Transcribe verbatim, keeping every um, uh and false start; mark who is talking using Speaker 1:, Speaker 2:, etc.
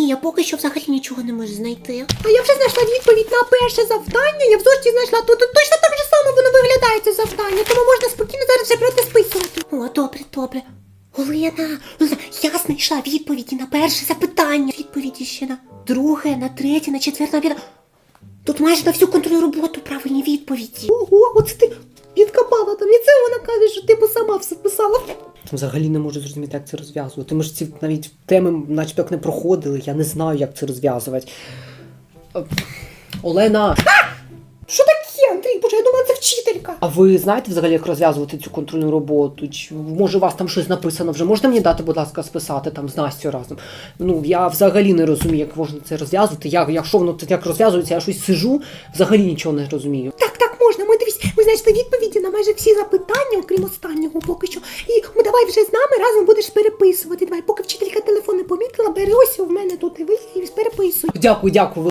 Speaker 1: Ні, я поки що взагалі нічого не можу знайти.
Speaker 2: А я вже знайшла відповідь на перше завдання. Я в зошиті знайшла. Тут точно так же само воно виглядає, це завдання. Тому можна спокійно зараз вже брати списувати.
Speaker 1: О, добре, добре. Олена, Олена, я знайшла відповіді на перше запитання. Відповіді ще на друге, на третє, на четверте, на п'яте. Тут майже на всю контрольну роботу правильні відповіді.
Speaker 2: Ого, оце ти відкопала там. І це вона каже, що ти сама все писала.
Speaker 3: Взагалі не можу зрозуміти, як це розв'язувати. Ми ж ці навіть теми начебто як не проходили, я не знаю, як це розв'язувати. Е, Олена!
Speaker 2: Що таке, Андрій? Боже, я думала, це вчителька.
Speaker 3: А ви знаєте взагалі, як розв'язувати цю контрольну роботу? Чи, може, у вас там щось написано вже? Можете мені дати, будь ласка, списати там з Настю разом? Ну, я взагалі не розумію, як можна це розв'язувати. Я, якщо воно так розв'язується, я щось сижу, взагалі нічого не розумію.
Speaker 2: Так, так, можна. Ми дивись, ми знайшли відповіді на майже всі запитання, окрім останнього поки що. І ми давай вже з нами разом будеш переписувати. Давай, поки вчителька телефон не помітила, бери ось у мене тут і ви і переписуй.
Speaker 3: Дякую, дякую.